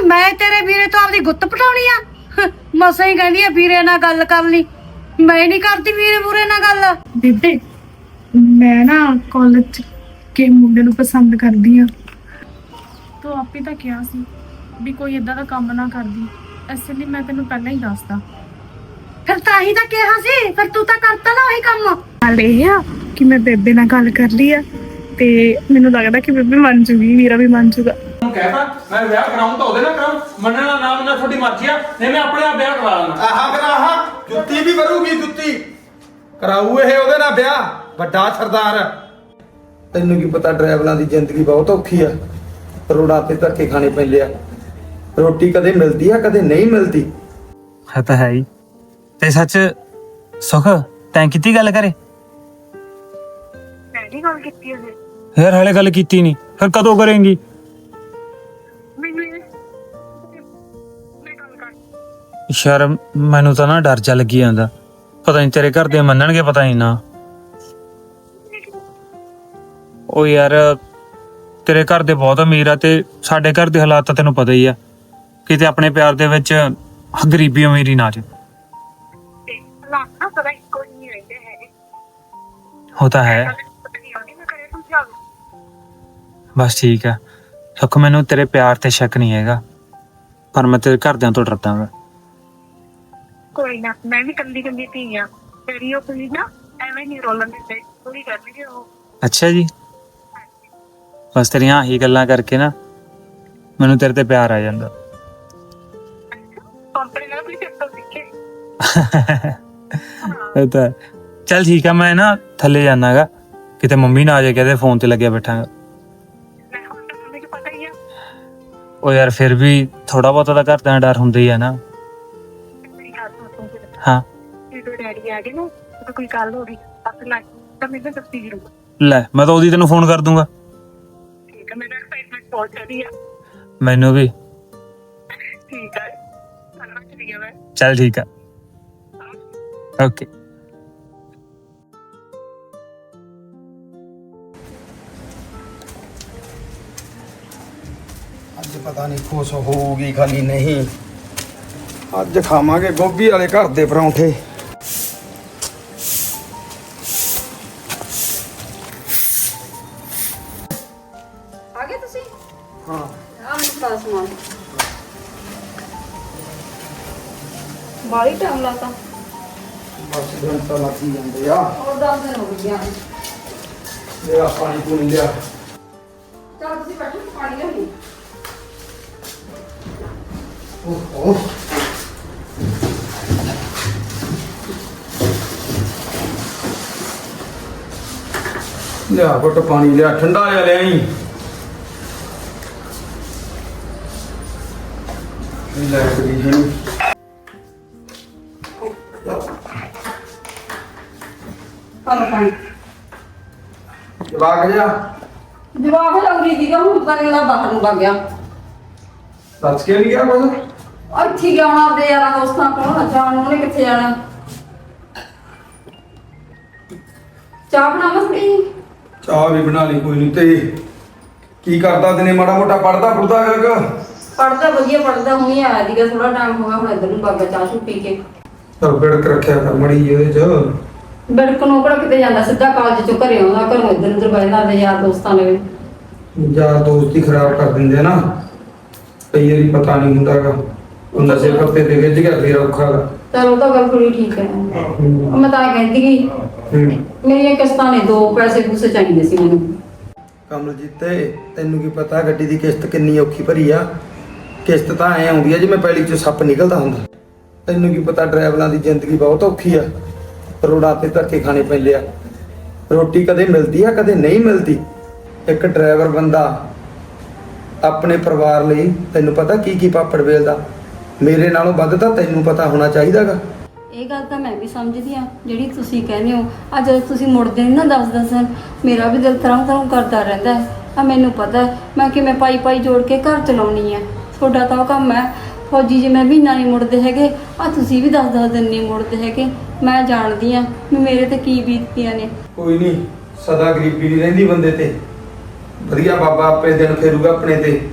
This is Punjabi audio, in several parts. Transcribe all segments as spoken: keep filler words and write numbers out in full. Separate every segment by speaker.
Speaker 1: ਮੈਂ ਤੇਰੇ ਵੀਰੇ ਤੋਂ ਆਪਦੀ ਗੁੱਤ ਪਟਾਉਣੀ ਆ? ਮਸਾਂ ਹੀ ਕਹਿੰਦੀ ਆ ਵੀਰੇ ਨਾਲ ਗੱਲ ਕਰ ਲਈ, ਮੈਂ ਨਹੀਂ ਕਰਦੀ ਵੀਰੇ ਬੁਰੇ ਨਾਲ ਗੱਲ।
Speaker 2: ਬੇਬੇ ਮੈਂ ਨਾ ਕਾਲਜ ਚ ਕੇ ਮੁੰਡੇ ਨੂੰ ਪਸੰਦ ਕਰਦੀ ਆ। ਤੂੰ ਆਪੇ ਤਾਂ ਕਿਹਾ ਸੀ ਵੀ ਕੋਈ ਇਦਾਂ ਦਾ ਕੰਮ ਨਾ ਕਰਦੀ, ਇਸ ਲਈ ਮੈਂ ਤੈਨੂੰ ਪਹਿਲਾਂ ਹੀ ਦੱਸਦਾ।
Speaker 1: ਫਿਰ ਤਾਂ ਹੀ ਤਾਂ ਕਿਹਾ ਸੀ, ਫਿਰ ਤੂੰ ਤਾਂ ਕਰਤਾ ਨਾ ਉਹੀ ਕੰਮ।
Speaker 2: ਹਾਲ ਇਹ ਆ ਕਿ ਮੈਂ ਬੇਬੇ ਨਾਲ ਗੱਲ ਕਰ ਲਈ ਆ ਤੇ ਮੈਨੂੰ ਲੱਗਦਾ ਕਿ ਬੇਬੇ ਮੰਨ ਜੂਗੀ, ਵੀਰਾ ਵੀ ਮੰਨ ਜੂਗਾ।
Speaker 3: ਕਹਿਤਾ ਮੈਂ ਵਿਆਹ ਕਰਾਉਂ ਤਾਂ ਉਹਦੇ ਨਾਲ ਕਰਾਉਂ, ਮੰਨਣਾ ਨਾ ਮੰਨਣਾ ਤੁਹਾਡੀ ਮਰਜ਼ੀ ਆ, ਨਹੀਂ ਮੈਂ ਆਪਣੇ ਆਪ ਵਿਆਹ ਕਰਾ ਲੈਣਾ।
Speaker 4: ਆਹਾ ਫਿਰ ਆਹਾ ਜੁੱਤੀ ਵੀ ਵਰੂਗੀ, ਜੁੱਤੀ ਕਰਾਊ ਇਹ ਉਹਦੇ ਨਾਲ ਵਿਆਹ, ਵੱਡਾ ਸਰਦਾਰ। ਤੈਨੂੰ ਕੀ ਪਤਾ ਡਰਾਈਵਰਾਂ ਦੀ ਜ਼ਿੰਦਗੀ ਬਹੁਤ ਔਖੀ ਆ, ਰੋਡਾਂ ਤੇ ਧੱਕੇ ਖਾਣੇ ਪੈਂਦੇ ਆ। ਰੋਟੀ ਕਦੇ ਮਿਲਦੀ ਆ, ਕਦੇ ਨਹੀਂ ਮਿਲਦੀ।
Speaker 5: ਹੈ ਤਾਂ ਹੈ ਹੀ। ਤੇ ਸੱਚ ਸੁਖ ਤੈਂ ਕੀਤੀ ਗੱਲ ਕਰੇ?
Speaker 2: ਮੈਂ ਨਹੀਂ ਗੱਲ ਕੀਤੀ ਉਹਨੇ।
Speaker 5: ਯਾਰ ਹਾਲੇ ਗੱਲ ਕੀਤੀ ਨਹੀਂ, ਫਿਰ ਕਦੋਂ ਕਰੇਂਗੀ?
Speaker 2: ਮੈਨੂੰ ਇਹ ਮੈਂ ਗੱਲ ਕਰ
Speaker 5: ਸ਼ਰਮ, ਮੈਨੂੰ ਤਾਂ ਨਾ ਡਰ ਜਾ ਲੱਗੀ ਜਾਂਦਾ, ਪਤਾ ਨਹੀਂ ਤੇਰੇ ਘਰ ਦੇ ਮੰਨਣਗੇ, ਪਤਾ ਨਹੀਂ ਨਾ। ਉਹ ਯਾਰ ਤੇਰੇ ਘਰ ਦੇ ਬਹੁਤ ਅਮੀਰ ਆ ਤੇ ਸਾਡੇ ਘਰ ਦੇ ਹਾਲਾਤ ਤਾਂ ਤੈਨੂੰ ਪਤਾ ਹੀ ਆ, ਕਿਤੇ ਆਪਣੇ ਪਿਆਰ ਦੇ ਵਿੱਚ ਗਰੀਬੀ ਅਮੀਰੀ ਨਾ ਆ ਜਾਏ।
Speaker 2: ਤੇ ਨਾ ਪਤਾ ਇੱਕੋ ਨਹੀਂ ਰਹਿੰਦੇ ਹੈਗੇ।
Speaker 5: ਉਹ ਤਾਂ ਹੈ,
Speaker 2: ਮੈਂ ਕਰੇ ਤੂੰ ਚੱਲ।
Speaker 5: ਬਸ ਠੀਕ ਆ ਸੁੱਖ, ਮੈਨੂੰ ਤੇਰੇ ਪਿਆਰ ਤੇ ਸ਼ੱਕ ਨਹੀਂ ਹੈਗਾ, ਪਰ ਮੈਂ ਤੇਰੇ ਘਰਦਿਆਂ ਤੋਂ ਡਰਦਾ ਗਾ।
Speaker 2: ਕੋਈ ਨਾ, ਮੈਂ ਵੀ ਕੰਦੀ ਕੰਦੀ ਧੀ ਆ ਤੇਰੀ। ਉਹ ਕੋਈ ਨਾ ਐਵੇਂ ਨਹੀਂ ਰੋਲਣ ਦਿੰਦੇ, ਪੂਰੀ ਕਰਨਗੇ ਉਹ।
Speaker 5: ਅੱਛਾ ਜੀ, ਬਸ ਤੇਰੀਆਂ ਆਹੀ ਗੱਲਾਂ ਕਰਕੇ ਨਾ ਮੈਨੂੰ ਤੇਰੇ ਤੇ ਪਿਆਰ ਆ ਜਾਂਦਾ।
Speaker 2: ਕੰਪਨੀ ਨਾਲ ਵੀ ਚੱਕਰ ਸਿੱਖੇ।
Speaker 5: ਇਹ ਤਾਂ ਚੱਲ ਠੀਕ ਆ, ਮੈਂ ਨਾ ਥੱਲੇ ਜਾਣਾਗਾ, ਕਿਤੇ ਮੰਮੀ ਨਾ ਆ ਜਾਏ ਕਿਤੇ ਫੋਨ ਤੇ ਲੱਗਿਆ ਬੈਠਾਂਗਾ।
Speaker 2: ਮੈਂ ਹੁਣ ਤਾਂ ਮੰਮੀ ਨੂੰ ਪਤਾ ਹੀ ਆ।
Speaker 5: ਉਹ ਯਾਰ ਫਿਰ ਵੀ ਥੋੜਾ ਬਹੁਤਾ ਤਾਂ ਘਰ ਦਾ ਡਰ ਹੁੰਦਾ ਹੀ ਆ ਨਾ।
Speaker 2: ਮੇਰੀ ਗੱਲ ਸੁਣ ਤੂੰ ਫਿਰ।
Speaker 5: ਹਾਂ
Speaker 2: ਜਦੋਂ ਡੈਡੀ ਆ ਗਏ ਨਾ, ਤਾਂ ਕੋਈ ਗੱਲ ਹੋ ਗਈ ਅੱਖ ਲੱਗ ਤਾਂ ਮੈਨੂੰ ਦੱਸੀ ਜ਼ਰੂਰ।
Speaker 5: ਲੈ, ਮੈਂ ਤਾਂ ਉਹਦੀ ਤੈਨੂੰ ਫੋਨ ਕਰ ਦੂੰਗਾ।
Speaker 2: ਠੀਕ ਹੈ, ਮੇਰਾ ਐਕਸਾਈਟਮੈਂਟ ਬਹੁਤ ਜ਼ਿਆਦੀ ਆ।
Speaker 5: ਮੈਨੂੰ ਵੀ।
Speaker 2: ਠੀਕ ਹੈ, ਧੰਨਵਾਦ ਚਲੀ ਗਿਆ ਮੈਂ।
Speaker 5: ਚੱਲ ਠੀਕ ਆ, ਓਕੇ।
Speaker 4: ਅੱਜ ਪਤਾ ਨਹੀਂ ਖੁਸ਼ ਹੋਊਗੀ ਖਾਲੀ ਨਹੀਂ। ਅੱਜ ਖਾਵਾਂਗੇ ਗੋਭੀ ਵਾਲੇ ਘਰ ਦੇ ਪਰੌਂਠੇ।
Speaker 1: ਆ ਗਏ ਤੁਸੀਂ?
Speaker 4: ਹਾਂ
Speaker 1: ਆ ਮੈਨੂੰ ਪਾਸ ਮਾਰ। ਬਾਲੀ ਟਾਈਮ ਲਾਤਾ।
Speaker 4: ਬਸ ਘੰਟਾ ਲੱਗ ਹੀ ਜਾਂਦੇ ਆ।
Speaker 1: ਹੋਰ ਦਸ ਦਿਨ ਹੋ ਗਏ ਆ।
Speaker 4: ਮੇਰਾ ਪਾਣੀ ਪੂਣੀ ਲਿਆ।
Speaker 1: ਚੱਲ ਤੁਸੀਂ ਬੈਠੋ, ਪਾਣੀ ਲਿਆਉਣੀ।
Speaker 4: ਓਹੋ ਲਿਆ ਘੁੱਟ ਪਾਣੀ ਲਿਆ, ਠੰਡਾ ਜਿਹਾ ਲਿਆਈ। ਲੈ ਕਰੀ ਇਹਨੂੰ।
Speaker 1: ਪਾਲੋ ਪਾਣੀ।
Speaker 4: ਜਵਾਕ ਜਾ
Speaker 1: ਜਵਾਬ ਲੱਗਦੀ ਸੀਗਾ, ਹੁਣ ਤਾਂ ਅਗਲਾ ਬਾਹਰ ਨੂੰ ਵਗ ਗਿਆ।
Speaker 4: ਦੱਸ ਕੇ ਨਹੀਂ ਗਿਆ ਕੁਝ?
Speaker 1: ਇੱਥੇ ਗਿਆ ਹੋਣਾ ਆਪਦੇ ਯਾਰਾਂ ਦੋਸਤਾਂ ਕੋਲ, ਜਾਣ ਉਹਨੇ ਕਿੱਥੇ ਜਾਣਾ। ਚਾਹ ਬਣਾਵਾਂ ਥੋੜੀ?
Speaker 4: ਚਾਹ ਵੀ ਬਣਾ ਲਈ, ਕੋਈ ਨਹੀਂ। ਤੇ ਕੀ ਕਰਦਾ ਦਿਨੇ? ਮਾੜਾ ਮੋਟਾ ਪੜਦਾ ਪੜਦਾ ਹੈਗਾ?
Speaker 1: ਪੜਦਾ ਵਧੀਆ ਪੜਦਾ, ਹੁਣੀ ਆਇਆ ਸੀਗਾ, ਥੋੜਾ ਟਾਈਮ ਹੋ ਗਿਆ, ਹੁਣ ਇੱਧਰ ਨੂੰ ਬਾਗਾ ਚਾਹ ਚੂ ਪੀ ਕੇ।
Speaker 4: ਤਾਂ ਬਿੜਕ ਰੱਖਿਆ ਕਰ ਮੜੀ ਇਹਦੇ ਚ।
Speaker 1: ਬਿੜਕ ਨੂੰ ਕਿਹੜਾ ਕਿਤੇ ਜਾਂਦਾ, ਸਿੱਧਾ ਕਾਲਜ ਚੋਂ ਘਰੇ ਆਉਂਦਾ, ਘਰੋਂ ਇੱਧਰ ਉੱਧਰ ਬਹਿ ਜਾਂਦਾ ਯਾਰ ਦੋਸਤਾਂ ਨਾਲ।
Speaker 4: ਯਾਰ ਦੋਸਤੀ ਖਰਾਬ ਕਰ ਦਿੰਦੇ ਆ ਨਾ, ਕਈ ਵਾਰੀ ਪਤਾ ਨਹੀਂ ਹੁੰਦਾਗਾ। ਉਹ ਨਸ਼ੇ ਪੱਤੇ ਤੇ ਗਿੱਜ ਗਿਆ ਫੇਰ ਔਖਾ ਗਾ।
Speaker 1: ਚਲ ਉਹ ਤਾਂ ਗੱਲ ਥੋੜੀ ਠੀਕ ਹੈ। ਉਹ ਮੈਂ ਤਾਂ ਕਹਿੰਦੀ ਕਿ
Speaker 4: ਹੂੰ
Speaker 1: ਮੇਰੀਆਂ ਕਿਸ਼ਤਾਂ ਨੇ, ਦੋ ਪੈਸੇ ਪੂਸੇ ਚਾਹੀਦੇ ਸੀ ਮੈਨੂੰ।
Speaker 4: ਕਮਲਜੀਤੇ ਤੈਨੂੰ ਕੀ ਪਤਾ ਗੱਡੀ ਦੀ ਕਿਸ਼ਤ ਕਿੰਨੀ ਔਖੀ ਭਰੀ ਆ। ਕਿਸ਼ਤ ਤਾਂ ਐ ਆਉਂਦੀ ਆ ਜਿਵੇਂ ਪੈਲੀ ਚੋਂ ਸੱਪ ਨਿਕਲਦਾ ਹੁੰਦਾ। ਤੈਨੂੰ ਕੀ ਪਤਾ ਡਰਾਈਵਰਾਂ ਦੀ ਜ਼ਿੰਦਗੀ ਬਹੁਤ ਔਖੀ ਆ, ਰੋਡਾਂ ਤੇ ਧੱਕੇ ਖਾਣੇ ਪੈਂਦੇ ਆ। ਰੋਟੀ ਕਦੇ ਮਿਲਦੀ ਆ, ਕਦੇ ਨਹੀਂ ਮਿਲਦੀ। ਇੱਕ ਡਰਾਈਵਰ ਬੰਦਾ ਆਪਣੇ ਪਰਿਵਾਰ ਲਈ ਤੈਨੂੰ ਪਤਾ ਕੀ ਕੀ ਪਾਪੜ ਵੇਲਦਾ। ਮੇਰੇ ਨਾਲੋਂ ਵੱਧ ਤਾਂ ਤੈਨੂੰ ਪਤਾ ਹੋਣਾ ਚਾਹੀਦਾਗਾ।
Speaker 1: ਇਹ ਗੱਲ ਤਾਂ ਮੈਂ ਵੀ ਸਮਝਦੀ ਆ ਜਿਹੜੀ ਤੁਸੀਂ ਕਹਿੰਦੇ ਹੋ। ਆ ਜਦੋਂ ਤੁਸੀਂ ਮੁੜਦੇ ਨਹੀਂ ਨਾ ਦਸ ਦਸ ਦਿਨ, ਮੇਰਾ ਵੀ ਦਿਲ ਤਰ੍ਹਾਂ ਤਰ੍ਹਾਂ ਕਰਦਾ ਰਹਿੰਦਾ ਹੈ। ਆ ਮੈਨੂੰ ਪਤਾ ਮੈਂ ਕਿਵੇਂ ਪਾਈ ਪਾਈ ਜੋੜ ਕੇ ਘਰ ਚਲਾਉਣੀ ਹੈ। ਤੁਹਾਡਾ ਤਾਂ ਉਹ ਕੰਮ ਹੈ ਫੌਜੀ, ਜੇ ਮੈਂ ਮਹੀਨਾ ਨਹੀਂ ਮੁੜਦੇ ਹੈਗੇ, ਆ ਤੁਸੀਂ ਵੀ ਦਸ ਦਸ ਦਿਨ ਨਹੀਂ ਮੁੜਦੇ ਹੈਗੇ। ਮੈਂ ਜਾਣਦੀ ਆ ਵੀ ਮੇਰੇ ਤੇ ਕੀ ਬੀਤਦੀਆਂ ਨੇ।
Speaker 4: ਕੋਈ ਨਹੀਂ, ਸਦਾ ਗਰੀਬੀ ਨਹੀਂ ਰਹਿੰਦੀ ਬੰਦੇ ਤੇ। ਵਧੀਆ ਬਾਬਾ ਆਪੇ ਦਿਨ ਫੇਰੂਗਾ ਆਪਣੇ ਤੇ।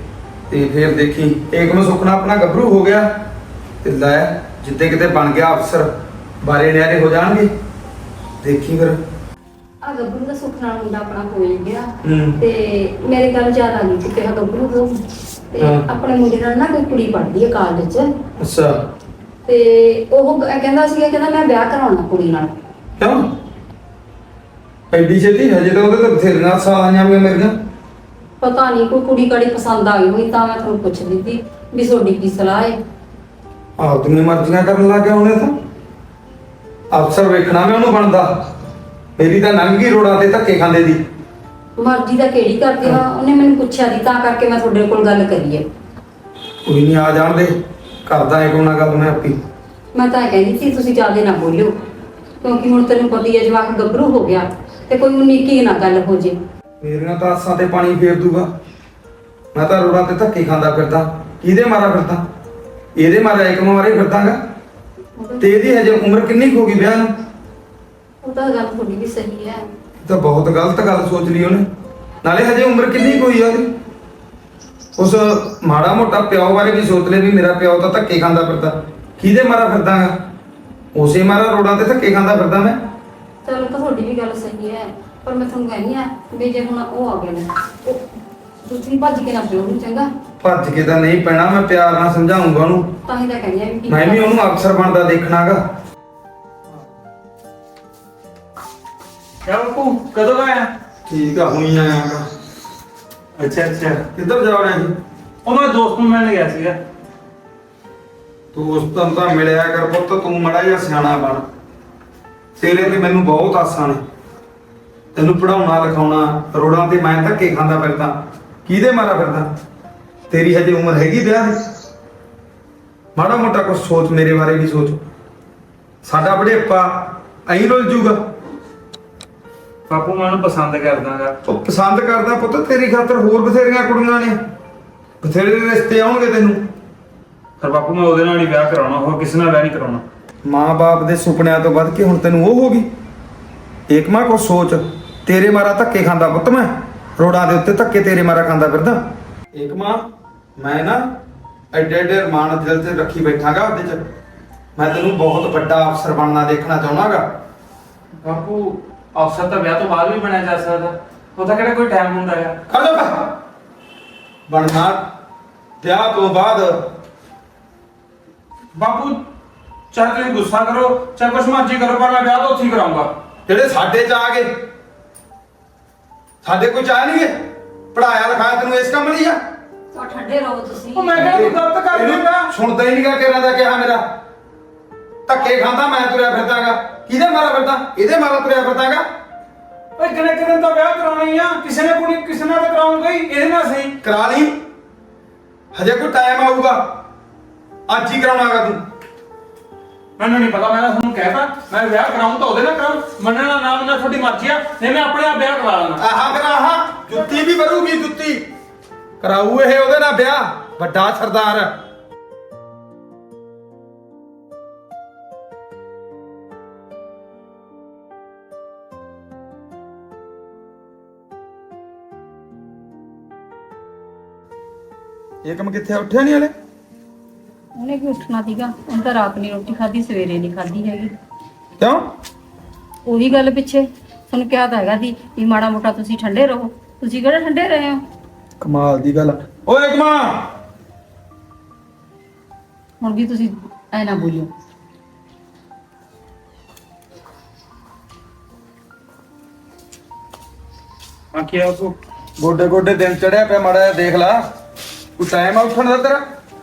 Speaker 4: ਤੇ ਫਿਰ ਦੇਖੀ ਏਕਮ ਸੁਪਨਾ ਆਪਣਾ ਗੱਭਰੂ ਹੋ ਗਿਆ ਤੇ ਲੈ ਜਿੱਦੇ ਕਿਤੇ ਬਣ ਗਿਆ ਅਫਸਰ ਬਾਰੇ ਨਿਆਰੇ ਹੋ ਜਾਣਗੇ। ਦੇਖੀ ਫਿਰ।
Speaker 1: ਆ ਗੱਭਰੂ ਦਾ ਸੁੱਖ ਨਾਲ ਮੁੰਡਾ ਆਪਣਾ ਹੋ ਗਿਆ
Speaker 4: ਹੂੰ।
Speaker 1: ਤੇ ਮੇਰੇ ਗੱਲ ਯਾਦ ਆ ਗਈ ਕਿ ਕਿਹਾ ਗੱਭਰੂ ਹੋ ਤੇ
Speaker 4: ਹਾਂ।
Speaker 1: ਆਪਣੇ ਮੁੰਡੇ ਨਾਲ ਨਾ ਕੋਈ ਕੁੜੀ ਪੜ੍ਹਦੀ ਹੈ ਕਾਲਜ 'ਚ
Speaker 4: ਅੱਛਾ।
Speaker 1: ਤੇ ਉਹ ਕ- ਕਹਿੰਦਾ ਸੀਗਾ ਕਹਿੰਦਾ ਮੈਂ ਵਿਆਹ ਕਰਾਉਣਾ ਕੁੜੀ ਨਾਲ।
Speaker 4: ਕਿਉਂ ਐਡੀ ਛੇਤੀ? ਹਜੇ ਤਾਂ ਉਹਦੇ ਤਾਂ ਬਥੇਰੀਆਂ ਸਾਲਾਂ ਆਈਆਂ ਮੇਰੀਆਂ।
Speaker 1: ਪਤਾ ਨਹੀਂ ਕੋਈ ਕੁੜੀ ਕਾੜੀ ਪਸੰਦ ਆ ਗਈ ਹੋਈ ਤਾਂ ਮੈਂ ਤੁਹਾਨੂੰ ਪੁੱਛ ਲਈ ਸੀ ਵੀ ਤੁਹਾਡੀ ਕੀ ਸਲਾਹ ਹੈ।
Speaker 4: ਆਪਦੀਆਂ ਮਰਜ਼ੀਆਂ ਕਰਨ ਲੱਗ ਗਿਆ ਉਹਨੇ ਤਾਂ। ਅਫਸਰ ਵੇਖਣਾ ਮੈਂ ਉਹਨੂੰ ਬਣਦਾ। ਮੇਰੀ ਤਾਂ ਲੰਘ ਗਈ ਰੋੜਾਂ ਤੇ ਧੱਕੇ ਖਾਂਦੇ ਦੀ।
Speaker 1: ਮਰਜ਼ੀ ਦਾ ਕਿਹੜੀ ਕਰਦੀ ਆ ਉਹਨੇ ਮੈਨੂੰ ਪੁੱਛਿਆ ਦੀ ਤਾਂ ਕਰਕੇ ਮੈਂ ਤੁਹਾਡੇ ਕੋਲ ਗੱਲ ਕਰੀ ਹੈ।
Speaker 4: ਕੋਈ ਨਹੀਂ ਆ ਜਾਣ ਦੇ, ਕਰਦਾ ਏ ਕੋਨਾ ਗੱਲ ਮੈਂ ਆਪੀ।
Speaker 1: ਮੈਂ ਤਾਂ ਇਹ ਕਹਿੰਦੀ ਸੀ ਤੁਸੀਂ ਜ਼ਿਆਦਾ ਨਾ ਬੋਲਿਓ ਕਿਉਂਕਿ ਹੁਣ ਤੈਨੂੰ ਪਤਾ ਹੀ ਹੈ ਜਵਾਕ ਗੱਭਰੂ ਹੋ ਗਿਆ ਤੇ ਕੋਈ ਉਨੀਕੀ ਨਾ ਗੱਲ ਹੋ ਜੇ।
Speaker 4: ਮੇਰੀਆਂ ਤਾਂ ਆਸਾਂ ਤੇ ਪਾਣੀ ਫੇਰ ਦੂਗਾ। ਮੈਂ ਤਾਂ ਰੋੜਾਂ ਤੇ ਧੱਕੇ ਖਾਂਦਾ ਫਿਰਦਾ। ਕਿਹਦੇ ਮਾਰਾ ਫਿਰਦਾ? ਇਹਦੇ ਮਾਰਾ ਇੱਕ ਮਾਰੇ ਫਿਰਦਾਗਾ। ਤੇ ਇਹਦੀ ਹਜੇ ਉਮਰ ਕਿੰਨੀ ਕੁ ਹੋ ਗਈ ਵਿਆਹ ਨੂੰ?
Speaker 1: ਉਹ ਤਾਂ ਗੱਲ ਤੁਹਾਡੀ ਵੀ ਸਹੀ ਹੈ।
Speaker 4: ਇਹ ਤਾਂ ਬਹੁਤ ਗਲਤ ਗੱਲ ਸੋਚ ਲਈ ਉਹਨੇ। ਨਾਲੇ ਹਜੇ ਉਮਰ ਕਿੰਨੀ ਕੁ ਹੋਈ ਆ ਉਹਦੀ? ਉਸ ਮਾੜਾ ਮੋਟਾ ਪਿਓ ਬਾਰੇ ਵੀ ਸੋਚ ਲੈ ਵੀ ਮੇਰਾ ਪਿਓ ਤਾਂ ਧੱਕੇ ਖਾਂਦਾ ਫਿਰਦਾ। ਕਿਹਦੇ ਮਾਰਾ ਫਿਰਦਾਗਾ? ਉਸੇ ਮਾਰਾ ਰੋੜਾਂ ਤੇ ਧੱਕੇ ਖਾਂਦਾ ਫਿਰਦਾ ਮੈਂ।
Speaker 1: ਚਲੋ ਤਾਂ ਤੁਹਾਡੀ ਵੀ ਗੱਲ ਸਹੀ ਹੈ ਪਰ ਮੈਂ ਤੁਹਾਨੂੰ ਕਹਿੰਦੀ ਆ ਵੀ ਜੇ ਹੁਣ ਉਹ ਆ ਗਏ ਨੇ ਉਹ ਤੁਸੀਂ ਭੱਜ ਕੇ ਨਾ ਪਿਓ ਨੂੰ ਚੰਗਾ।
Speaker 4: ਭੱਜ ਕੇ ਤਾਂ ਨਹੀਂ ਪੈਣਾ, ਮੈਂ ਪਿਆਰ ਨਾਲ ਸਮਝਾਉਂਗਾ ਉਹਨੂੰ।
Speaker 1: ਤਾਂ ਹੀ ਤਾਂ ਕਹਿੰਦੀ ਆ ਵੀ ਕੀ
Speaker 4: ਮੈਂ ਵੀ ਉਹਨੂੰ ਅਫਸਰ ਬਣਦਾ ਦੇਖਣਾਗਾ।
Speaker 5: ਕਿਆ ਬਾਪੂ ਕਦੋਂ ਆਇਆ?
Speaker 4: ਠੀਕ ਆ, ਹੁਣੀ ਆਇਆਗਾ।
Speaker 5: ਅੱਛਾ ਅੱਛਾ।
Speaker 4: ਕਿੱਧਰ ਜਾ ਰਿਹਾ ਜੀ?
Speaker 5: ਉਹ ਮੈਂ ਦੋਸਤ ਨੂੰ ਮਿਲਣ ਗਿਆ ਸੀਗਾ।
Speaker 4: ਦੋਸਤਾਂ ਨੂੰ ਤਾਂ ਮਿਲਿਆ ਕਰ ਪੁੱਤ, ਤੂੰ ਮੜਾ ਜਿਹਾ ਸਿਆਣਾ ਬਣ। ਤੇਰੇ ਤੇ ਮੈਨੂੰ ਬਹੁਤ ਆਸਾਂ ਨੇ। ਤੈਨੂੰ ਪੜਾਉਣਾ ਲਿਖਾਉਣਾ, ਰੋੜਾਂ ਤੇ ਮੈਂ ਧੱਕੇ ਖਾਂਦਾ ਫਿਰਦਾ। ਕਿਹਦੇ ਮਾਰਾ ਫਿਰਦਾ? ਤੇਰੀ ਹਜੇ ਉਮਰ ਹੈਗੀ ਵਿਆਹ ਦੀ। ਮਾੜਾ ਮੋਟਾ ਕੁਝ ਸੋਚ, ਮੇਰੇ ਬਾਰੇ ਵੀ ਸੋਚ। ਸਾਡਾ ਬੜੇਪਾ ਐਂ ਰੁੱਲ ਜੂਗਾ।
Speaker 5: ਬਾਪੂ ਮੈਂ ਉਹਨੂੰ ਪਸੰਦ ਕਰਦਾਗਾ।
Speaker 4: ਉਹ ਪਸੰਦ ਕਰਦਾ ਪੁੱਤ, ਤੇਰੀ ਖਾਤਰ ਹੋਰ ਬਥੇਰੀਆਂ ਕੁੜੀਆਂ ਨੇ। ਬਥੇਰੇ ਰਿਸ਼ਤੇ ਆਉਣਗੇ ਤੈਨੂੰ।
Speaker 5: ਪਰ ਬਾਪੂ ਮੈਂ ਉਹਦੇ ਨਾਲ ਹੀ ਵਿਆਹ ਕਰਾਉਣਾ, ਹੋਰ ਕਿਸੇ ਨਾਲ ਵਿਆਹ ਨਹੀਂ ਕਰਾਉਣਾ।
Speaker 4: ਮਾਂ-ਬਾਪ ਦੇ ਸੁਪਨਿਆਂ ਤੋਂ ਵੱਧ ਕੇ ਹੁਣ ਤੈਨੂੰ ਉਹ ਹੋ ਗਈ। ਏਕਮਾ ਕੋ ਸੋਚ, ਤੇਰੇ ਮਾਰਾ ਧੱਕੇ ਖਾਂਦਾ ਪੁੱਤ ਮੈਂ। ਰੋੜਾਂ ਦੇ ਉੱਤੇ ਧੱਕੇ ਤੇਰੇ ਮਾਰਾ ਖਾਂਦਾ ਫਿਰਦਾ। ਏਕਮਾ ਮੈਂ ਨਾ ਐਡੇ ਐਡੇ ਅਰਮਾਨ ਦਿਲ ਤੇ ਰੱਖੀ ਬੈਠਾਗਾ ਉਹਦੇ ਚ। ਮੈਂ ਤੈਨੂੰ ਬਹੁਤ ਵੱਡਾ ਅਫਸਰ ਬਣਨਾ ਦੇਖਣਾ ਚਾਹੁੰਦਾਗਾ।
Speaker 5: ਬਾਪੂ ਅਫਸਰ ਤਾਂ ਵਿਆਹ ਤੋਂ ਬਾਅਦ ਵੀ ਬਣਿਆ ਜਾ ਸਕਦਾ, ਉਹਦਾ ਕਿਹੜਾ ਕੋਈ ਟਾਈਮ ਹੁੰਦਾ ਹੈ?
Speaker 4: ਖੜੋ ਬਣਨਾ ਵਿਆਹ ਤੋਂ ਬਾਅਦ।
Speaker 5: ਬਾਪੂ ਚਾਹੇ ਤੁਸੀਂ ਗੁੱਸਾ ਕਰੋ ਚਾਹੇ ਕੁਛ ਮਰਜ਼ੀ ਕਰੋ, ਪਰ ਮੈਂ ਵਿਆਹ ਤਾਂ ਉੱਥੇ ਹੀ ਕਰਾਉਂਗਾ।
Speaker 4: ਜਿਹੜੇ ਸਾਡੇ ਚ ਆ ਗਏ, ਸਾਡੇ ਕੋਈ ਚਾਹ ਨਹੀਂ ਗਏ। ਪੜਾਇਆ ਲਿਖਾਇਆ ਤੈਨੂੰ ਇਸ ਕੰਮ ਲਈ ਆ।
Speaker 1: ਤਾਂ ਠੰਡੇ ਰਹੋ ਤੁਸੀਂ।
Speaker 5: ਉਹ ਮੈਂ ਕਿਹਾ ਤੂੰ ਗਲਤ ਕਰ
Speaker 4: ਇਹਨੂੰ
Speaker 5: ਦਿੰਦਾ।
Speaker 4: ਸੁਣਦਾ ਹੀ ਨਹੀਂਗਾ ਕਿਹਨਾਂ ਦਾ ਕਿਹਾ ਮੇਰਾ। ਧੱਕੇ ਖਾਂਦਾ ਮੈਂ ਤੁਰਿਆ ਫਿਰਦਾਗਾ। ਕਿਹਦੇ ਮਾਰਾ ਫਿਰਦਾ? ਇਹਦੇ ਮਾਰਾ ਤੁਰਿਆ ਫਿਰਦਾਗਾ।
Speaker 5: ਓਏ ਕਿਨੇ ਕਿਨੇ ਤਾਂ ਵਿਆਹ ਕਰਾਉਣਾ ਹੀ ਆ, ਕਿਸੇ ਨੇ ਕੁੜੀ ਕਿਸੇ ਨਾਲ ਤਾਂ ਕਰਾਉਂਗਾ ਹੀ, ਇਹਦੇ ਨਾਲ ਸਹੀ।
Speaker 4: ਕਰਾ ਲਈ, ਹਜੇ ਕੋਈ ਟਾਈਮ ਆਊਗਾ। ਅੱਜ ਹੀ ਕਰਾਉਣਾਗਾ ਤੂੰ।
Speaker 5: ਮੈਨੂੰ ਨਹੀਂ ਪਤਾ, ਮੈਂ ਤਾਂ ਤੁਹਾਨੂੰ ਕਹਿਤਾ ਮੈਂ ਵਿਆਹ ਕਰਾਉਂ ਤਾਂ ਉਹਦੇ ਨਾਲ ਕਰਾਉਂ। ਮੰਨਣਾ ਨਾ ਮੰਨਣਾ ਤੁਹਾਡੀ ਮਰਜ਼ੀ ਆ, ਨਹੀਂ ਮੈਂ ਆਪਣੇ ਆਪ ਵਿਆਹ ਕਰਾ ਲੈਣਾ।
Speaker 4: ਆਹਾ ਫਿਰ ਆਹਾ ਜੁੱਤੀ ਵੀ ਵਰੂਗੀ, ਜੁੱਤੀ ਕਰਾਊ ਇਹ ਉਹਦੇ ਨਾਲ ਵਿਆਹ। ਵੱਡਾ ਸਰਦਾਰ। ਇਹ ਕੰਮ ਕਿੱਥੇ ਉੱਠਿਆ ਨਹੀਂ ਹਲੇ?
Speaker 1: ਉਹਨੇ ਕੀ ਉੱਠਣਾ ਸੀਗਾ, ਉਹਨੇ ਤਾਂ ਰਾਤ ਨਹੀਂ ਰੋਟੀ ਖਾਧੀ, ਸਵੇਰੇ ਨਹੀਂ ਖਾਧੀ ਹੈਗੀ।
Speaker 4: ਕਿਉਂ?
Speaker 1: ਉਹੀ ਗੱਲ ਪਿੱਛੇ ਤੁਹਾਨੂੰ ਕਿਹਾ ਤਾਂ ਹੈਗਾ ਸੀ ਵੀ ਮਾੜਾ ਮੋਟਾ ਤੁਸੀਂ ਠੰਡੇ ਰਹੋ। ਤੁਸੀਂ ਕਿਹੜਾ ਠੰਡੇ ਰਹੇ ਹੋ?
Speaker 4: ਕਮਾਲ ਦੀ ਗੱਲ। ਓਏ ਏਕਮਾ,
Speaker 1: ਹੁਣ ਵੀ ਤੁਸੀਂ ਐ ਨਾ ਬੋਲਿਓ।
Speaker 5: ਆ ਕੀ ਆ ਬਾਪੂ?
Speaker 4: ਗੋਡੇ ਗੋਡੇ ਦਿਨ ਚੜਿਆ ਪਿਆ, ਮਾੜਾ ਜਿਹਾ ਦੇਖ ਲਾ। ਕੋਈ ਟਾਈਮ ਆ ਉੱਠਣ ਦਾ ਤੇਰਾ?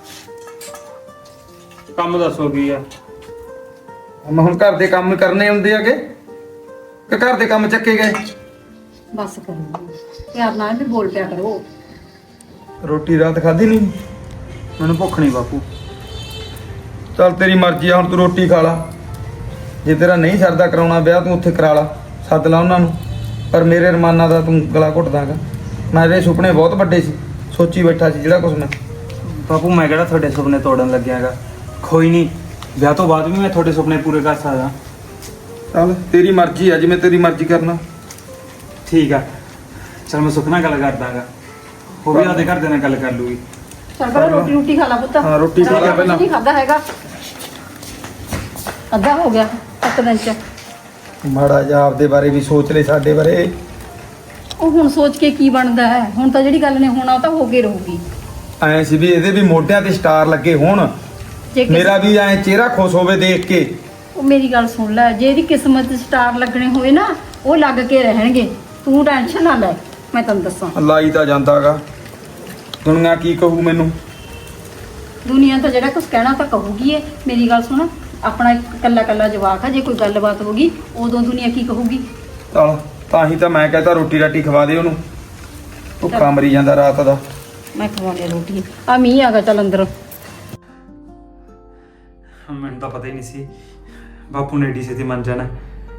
Speaker 5: ਕੰਮ ਦੱਸੋ ਕੀ ਆ?
Speaker 4: ਮੈਂ ਹੁਣ ਘਰ ਦੇ ਕੰਮ ਕਰਨੇ ਹੁੰਦੇ ਆਗੇ ਕਿ ਘਰ ਦੇ ਕੰਮ ਚੱਕੇ ਗਏ?
Speaker 1: ਬਸ ਕਰੋ ਪਿਆਰ ਨਾਲ ਵੀ ਬੋਲ ਪਿਆ ਕਰੋ।
Speaker 4: ਰੋਟੀ ਰਾਤ ਖਾਧੀ ਨਹੀਂ?
Speaker 5: ਮੈਨੂੰ ਭੁੱਖ ਨਹੀਂ ਬਾਪੂ।
Speaker 4: ਚੱਲ ਤੇਰੀ ਮਰਜ਼ੀ ਆ, ਹੁਣ ਤੂੰ ਰੋਟੀ ਖਾ ਲਾ। ਜੇ ਤੇਰਾ ਨਹੀਂ ਸਰਦਾ ਕਰਾਉਣਾ ਵਿਆਹ, ਤੂੰ ਉੱਥੇ ਕਰਾ ਲਾ, ਸੱਦ ਲਾ ਉਹਨਾਂ ਨੂੰ। ਪਰ ਮੇਰੇ ਰਮਾਨਾ ਦਾ ਤੂੰ ਗਲਾ ਘੁੱਟਦਾਗਾ। ਮੇਰੇ ਸੁਪਨੇ ਬਹੁਤ ਵੱਡੇ ਸੀ, ਸੋਚੀ ਬੈਠਾ ਸੀ ਜਿਹੜਾ ਕੁਛ ਮੈਂ।
Speaker 5: ਬਾਪੂ ਮੈਂ ਕਿਹੜਾ ਤੁਹਾਡੇ ਸੁਪਨੇ ਤੋੜਨ ਲੱਗਿਆਗਾ। ਕੋਈ ਨਹੀਂ, ਵਿਆਹ ਤੋਂ ਬਾਅਦ ਵੀ ਮੈਂ ਤੁਹਾਡੇ ਸੁਪਨੇ ਪੂਰੇ ਕਰ ਸਕਦਾ।
Speaker 4: ਚੱਲ ਤੇਰੀ ਮਰਜ਼ੀ ਆ, ਜਿਵੇਂ ਤੇਰੀ ਮਰਜ਼ੀ ਕਰਨਾ।
Speaker 5: ਠੀਕ ਆ, ਚਲ ਮੈਂ ਸੁਖ ਨਾਲ ਗੱਲ ਕਰਦਾਗਾ, ਉਹ ਵੀ ਆਪਦੇ ਘਰ ਦੇ ਨਾਲ ਗੱਲ ਕਰ ਲੂਗੀ।
Speaker 1: ਚੱਲ ਪਹਿਲਾਂ ਰੋਟੀ ਰੋਟੀ ਖਾ ਲਾ ਪੁੱਤ।
Speaker 4: ਹਾਂ, ਰੋਟੀ ਖਾ ਲਾ ਪਹਿਲਾਂ।
Speaker 1: ਨਹੀਂ ਖਾਦਾ ਹੈਗਾ, ਅੱਧਾ ਹੋ ਗਿਆ ਇੱਕ ਦਿਨ ਚ।
Speaker 4: ਮਾੜਾ ਜਿਹਾ ਆਪਦੇ ਬਾਰੇ ਵੀ ਸੋਚ ਲੈ, ਸਾਡੇ ਬਾਰੇ।
Speaker 1: ਉਹ ਹੁਣ ਸੋਚ ਕੇ ਕੀ ਬਣਦਾ ਹੈ, ਹੁਣ ਤਾਂ ਜਿਹੜੀ ਗੱਲ ਨੇ ਹੋਣਾ ਉਹ ਤਾਂ ਹੋ ਕੇ ਰਹੂਗੀ।
Speaker 4: ਐ ਸੀ ਵੀ ਇਹਦੇ ਵੀ ਮੋਢਿਆਂ ਤੇ ਸਟਾਰ ਲੱਗੇ ਹੋਣ,
Speaker 1: ਜੇ ਕਿਸ-
Speaker 4: ਮੇਰਾ ਵੀ ਐ ਚਿਹਰਾ ਖੁਸ਼ ਹੋਵੇ ਦੇਖ ਕੇ।
Speaker 1: ਉਹ ਮੇਰੀ ਗੱਲ ਸੁਣ ਲੈ, ਜੇ ਇਹਦੀ ਕਿਸਮਤ 'ਚ ਸਟਾਰ ਲੱਗਣੇ ਹੋਏ ਨਾ ਉਹ ਲੱਗ ਕੇ ਰਹਿਣਗੇ, ਤੂੰ ਟੈਨਸ਼ਨ ਨਾ ਲੈ। ਮੈਂ ਤੈਨੂੰ ਦੱਸਾਂ,
Speaker 4: ਲਾਈ ਤਾਂ ਜਾਂਦਾਗਾ, ਦੁਨੀਆ ਕੀ ਕਹੂ ਮੈਨੂੰ।
Speaker 1: ਦੁਨੀਆ ਤਾਂ ਜਿਹੜਾ ਕੁਝ ਕਹਿਣਾ ਤਾਂ ਕਹੂਗੀ ਏ। ਮੇਰੀ ਗੱਲ ਸੁਣ, ਆਪਣਾ ਇੱਕ ਕੱਲਾ ਕੱਲਾ ਜਵਾਕ ਆ, ਜੇ ਕੋਈ ਗੱਲਬਾਤ ਹੋਗੀ ਉਦੋਂ ਦੁਨੀਆ ਕੀ ਕਹੂਗੀ?
Speaker 4: ਚਲ ਤਾਂ ਹੀ ਤਾਂ ਮੈਂ ਕਹਤਾ ਰੋਟੀ ਰਾਟੀ ਖਵਾ ਦੇ ਉਹਨੂੰ, ਭੁੱਖਾ ਮਰੀ ਜਾਂਦਾ ਰਾਤ ਦਾ।
Speaker 1: ਮੈਂ ਖਵਾਉਣੀ ਰੋਟੀ। ਆ ਮੀਂਹ ਆ ਗਿਆ, ਚੱਲ ਅੰਦਰ।
Speaker 5: ਮੈਨੂੰ ਤਾਂ ਪਤਾ ਹੀ ਨਹੀਂ ਸੀ ਬਾਪੂ ਨੇ ਏਡੀ ਛੇਤੀ ਮੰਨ ਜਾਣਾ।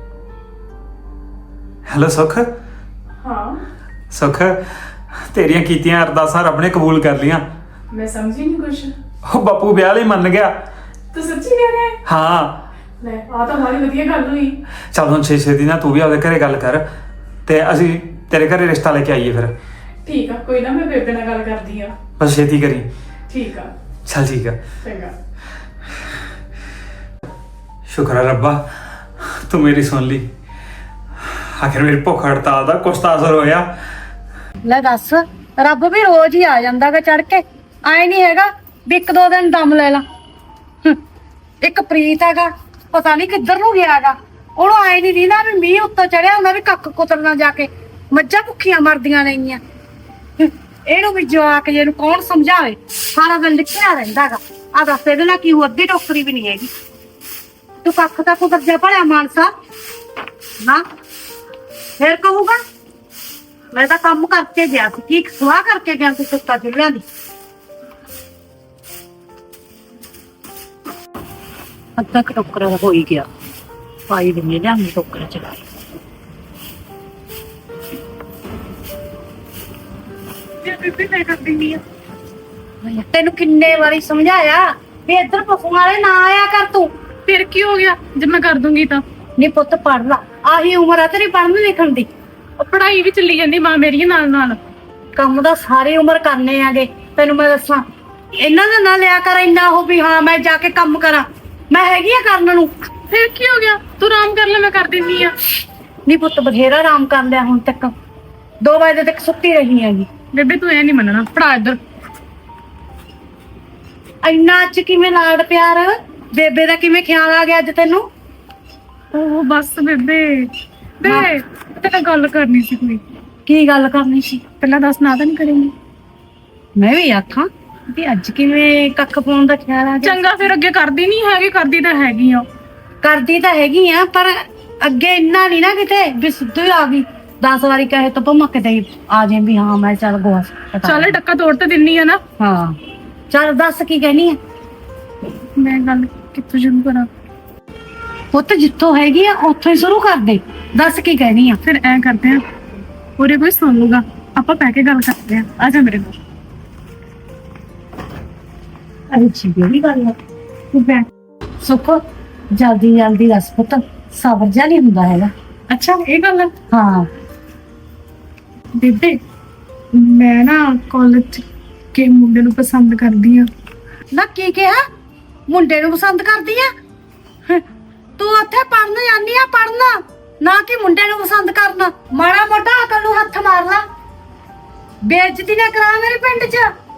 Speaker 5: ਹੈਲੋ ਸੁਖ।
Speaker 2: ਹਾਂ,
Speaker 5: ਸੁਖ, ਤੇਰੀਆਂ ਕੀਤੀਆਂ ਅਰਦਾਸਾਂ ਰੱਬ ਨੇ ਕਬੂਲ ਕਰ ਲੀਆਂ।
Speaker 2: ਮੈਂ ਸਮਝੀ ਨਹੀਂ ਕੁਛ।
Speaker 5: ਉਹ ਬਾਪੂ ਵਿਆਹ ਲਈ ਮੰਨ ਗਿਆ।
Speaker 2: ਤੂੰ ਸੱਚੀ ਕਹਿ ਰਿਹਾ ਹੈ?
Speaker 5: ਹਾਂ।
Speaker 2: ਲੈ ਆ ਤਾਂ ਬੜੀ ਵਧੀਆ ਗੱਲ ਹੋਈ।
Speaker 5: ਚੱਲ ਹੁਣ ਛੇ ਛੇ ਦਿਨਾਂ ਤੂੰ ਵੀ ਆਪਦੇ ਘਰੇ ਗੱਲ ਕਰ ਤੇ ਅਸੀਂ ਤੇਰੇ ਘਰੇ ਰਿਸ਼ਤਾ ਲੈ ਕੇ ਆਈਏ ਫਿਰ।
Speaker 2: ਠੀਕ ਆ, ਕੋਈ ਨਾ, ਮੈਂ ਬੇਬੇ ਨਾਲ ਗੱਲ ਕਰਦੀ ਆ।
Speaker 5: ਬਸ ਛੇਤੀ ਕਰੀ।
Speaker 2: ਠੀਕ ਆ,
Speaker 5: ਚੱਲ ਠੀਕ ਆ।
Speaker 2: ਚੰਗਾ।
Speaker 5: ਸ਼ੁਕਰ ਹੈ ਰੱਬਾ, ਤੂੰ ਮੇਰੀ ਸੁਣ ਲਈ। ਆਖਿਰ ਮੇਰੀ ਭੁੱਖ ਹੜਤਾਲ ਦਾ ਕੁਛ ਤਾਂ ਅਸਰ ਹੋਇਆ।
Speaker 1: ਲੈ ਦੱਸ, ਰੱਬ ਵੀ ਰੋਜ਼ ਹੀ ਆ ਜਾਂਦਾਗਾ ਚੜ ਕੇ, ਆਏ ਨਹੀਂ ਹੈਗਾ ਵੀ ਇੱਕ ਦੋ ਦਿਨ ਦਮ ਲੈ ਲਾ। ਹੂੰ, ਇੱਕ ਪ੍ਰੀਤ ਹੈਗਾ, ਪਤਾ ਨਹੀਂ ਕਿੱਧਰ ਨੂੰ ਗਿਆਗਾ, ਉਹਨੂੰ ਆਏ ਨਹੀਂ ਦੀਦਾ ਵੀ ਮੀਂਹ ਉੱਤੋਂ ਚੜਿਆ ਹੁੰਦਾ ਵੀ ਕੱਖ ਕੁਤਰਨਾ ਜਾ ਕੇ, ਮੱਝਾਂ ਭੁੱਖੀਆਂ ਮਰਦੀਆਂ ਨੇਗੀਆਂ। ਹੂੰ, ਇਹਨੂੰ ਵੀ ਜਵਾਕ ਜੇ ਨੂੰ ਕੌਣ ਸਮਝਾਵੇ, ਸਾਰਾ ਦਿਨ ਲਿਖਿਆ ਰਹਿੰਦਾਗਾ। ਆ ਦੱਸ ਇਹਦੇ ਨਾਲ ਕੀ ਹੋ, ਅੱਧੀ ਟੋਕਰੀ ਵੀ ਨਹੀਂ ਹੈਗੀ। ਤੂੰ ਕੱਖ ਤਾਂ ਕੁਤਰ ਜਾ ਭਲਿਆ ਮਾਨਸਾ ਨਾ, ਫੇਰ ਕਹੂਗਾ ਮੈਂ ਤਾਂ ਕੰਮ ਕਰਕੇ ਗਿਆ ਸੀ। ਠੀਕ ਸਵਾਹ ਕਰਕੇ ਗਿਆ ਸੀ ਸੁੱਤਾ ਚੁੱਲ੍ਹਿਆਂ ਦੀ। ਅੱਧਾ ਕੁ ਟੋਕਰਾ ਹੋ ਹੀ ਗਿਆ, ਪਾਈ ਦਿੰਦੇ ਲਿਆਂਗੇ ਟੋਕਰਾ ਚ।
Speaker 2: ਬੇਬੇ ਮੈਂ ਕਰਦੀ ਨਹੀਂ ਆ।
Speaker 1: ਤੈਨੂੰ ਕਿੰਨੇ ਵਾਰੀ ਸਮਝਾਇਆ ਵੀ ਇੱਧਰ ਪਸ਼ੂਆਂ ਵਾਲੇ ਨਾ ਆਇਆ ਕਰ ਤੂੰ।
Speaker 2: ਫਿਰ ਕੀ ਹੋ ਗਿਆ ਜੇ ਮੈਂ ਕਰ ਦੂੰਗੀ ਤਾਂ?
Speaker 1: ਨੀ ਪੁੱਤ ਪੜ ਲਾ, ਆਹੀ ਉਮਰ ਆ ਤੇਰੀ ਪੜ੍ਹਨ ਲਿਖਣ ਦੀ।
Speaker 2: ਉਹ ਪੜ੍ਹਾਈ ਵੀ ਚੱਲੀ ਜਾਂਦੀ ਮਾਂ ਮੇਰੀ ਨਾਲ ਨਾਲ।
Speaker 1: ਕੰਮ ਤਾਂ ਸਾਰੀ ਉਮਰ ਕਰਨੇ ਆਗੇ, ਤੈਨੂੰ ਮੈਂ ਦੱਸਾਂ। ਇਹਨਾਂ ਦਾ ਨਾ ਲਿਆ ਕਰ ਇੰਨਾ ਉਹ ਵੀ ਹਾਂ ਮੈਂ ਜਾ ਕੇ ਕੰਮ ਕਰਾਂ, ਮੈਂ ਹੈਗੀ ਆ ਕਰਨ ਨੂੰ।
Speaker 2: ਫਿਰ ਕੀ ਹੋ ਗਿਆ, ਤੂੰ ਆਰਾਮ ਕਰ ਲੈ, ਮੈਂ ਕਰ ਦਿੰਦੀ ਆ।
Speaker 1: ਨੀ ਪੁੱਤ ਬਥੇਰਾ ਆਰਾਮ ਕਰ ਲਿਆ ਹੁਣ ਤੱਕ, ਦੋ ਵਜੇ ਤੱਕ ਸੁੱਤੀ ਰਹੀ ਹੈਗੀ।
Speaker 2: ਬੇਬੇ ਤੂੰ ਇਹ ਨਹੀਂ ਮੰਨਣਾ, ਪੜਾ ਇੱਧਰ।
Speaker 1: ਇੰਨਾ ਅੱਜ ਕਿਵੇਂ ਲਾਡ ਪਿਆਰ, ਬੇਬੇ ਦਾ ਕਿਵੇਂ ਖਿਆਲ ਆ ਗਿਆ ਅੱਜ ਤੈਨੂੰ?
Speaker 2: ਉਹ ਬਸ ਬੇਬੇ, ਬੇ ਤੇਰੇ ਨਾਲ ਗੱਲ ਕਰਨੀ ਸੀ ਕੋਈ।
Speaker 1: ਕੀ ਗੱਲ ਕਰਨੀ ਸੀ?
Speaker 2: ਪਹਿਲਾਂ ਦੱਸ, ਨਾ ਤਾਂ ਨਹੀਂ ਕਰੇਂਗੀ?
Speaker 1: ਮੈਂ ਵੀ ਆਖਾਂ ਵੀ ਅੱਜ ਕਿਵੇਂ ਕੱਖ ਪਾਉਣ ਦਾ ਖਿਆਲ ਆ ਗਿਆ?
Speaker 2: ਚੰਗਾ, ਫਿਰ ਅੱਗੇ ਕਰਦੀ ਨਹੀਂ ਹੈਗੀ, ਕਰਦੀ ਤਾਂ ਹੈਗੀ ਆ।
Speaker 1: ਕਰਦੀ ਤਾਂ ਹੈਗੀ ਆ, ਪਰ ਅੱਗੇ ਇੰਨਾ ਨਹੀਂ ਨਾ ਕਿਤੇ ਵੀ ਸਿੱਧੂ ਹੀ ਆ ਗਈ। ਦਸ ਵਾਰੀ ਕਹੇ ਤਾਂ ਭਮਕ ਦੇ ਆ ਜੇ ਵੀ ਹਾਂ ਮੈਂ ਚੱਲ ਗੋਆ
Speaker 2: ਚੱਲ ਟੱਕਾ ਤੋੜ ਤੇ ਦਿੰਨੀ ਆ ਨਾ।
Speaker 1: ਹਾਂ ਚੱਲ ਦੱਸ ਕੀ ਕਹਿਣੀ ਆ?
Speaker 2: ਮੈਂ ਗੱਲ ਕਿੱਥੋਂ ਸ਼ੁਰੂ ਕਰਾਂ?
Speaker 1: ਪੁੱਤ ਜਿੱਥੋਂ ਹੈਗੀ ਆ ਉੱਥੋਂ ਹੀ ਸ਼ੁਰੂ ਕਰ ਦੇ, ਦੱਸ ਕੀ ਕਹਿਣੀ ਆ?
Speaker 2: ਫਿਰ ਐ ਕਰਦੇ ਆ, ਉਰੇ ਕੋਈ ਸੁਣ ਲੂਗਾ, ਆਪਾਂ ਬਹਿ ਕੇ ਗੱਲ ਕਰਦੇ ਆ। ਆ ਜਾ ਮੇਰੇ ਕੋਲ।
Speaker 1: ਅੱਛੀ ਜਿਹੜੀ ਗੱਲ ਆ।
Speaker 2: ਤੂੰ ਬੈਠ।
Speaker 1: ਸੁੱਖ ਜਲਦੀ ਜਲਦੀ ਦੱਸ ਪੁੱਤ, ਸਬਰ ਜਿਹਾ ਨਹੀਂ ਹੁੰਦਾ ਹੈਗਾ।
Speaker 2: ਅੱਛਾ ਇਹ ਗੱਲ ਆ।
Speaker 1: ਹਾਂ
Speaker 2: ਬੇਬੇ ਮੈਂ ਨਾ ਕਾਲਜ ਕੇ ਮੁੰਡੇ ਨੂੰ ਪਸੰਦ ਕਰਦੀ ਆ।
Speaker 1: ਨਾ ਕੀ ਕਿਹਾ? ਮੁੰਡੇ ਨੂੰ ਪਸੰਦ ਕਰਦੀ ਆ? ਹੰ, ਤੂੰ ਉੱਥੇ ਪੜਨ ਜਾਂਦੀ ਆ, ਪੜਨਾ ਨਾ ਕਿ ਮੁੰਡੇ ਨੂੰ ਪਸੰਦ ਕਰਨਾ। ਮਾੜਾ ਮੋਟਾ ਅਕਲ ਨੂੰ ਹੱਥ ਮਾਰ ਲਾ, ਬੇਇੱਜ਼ਤੀ ਨਾ ਕਰਾ ਮੇਰੇ ਪਿੰਡ 'ਚ।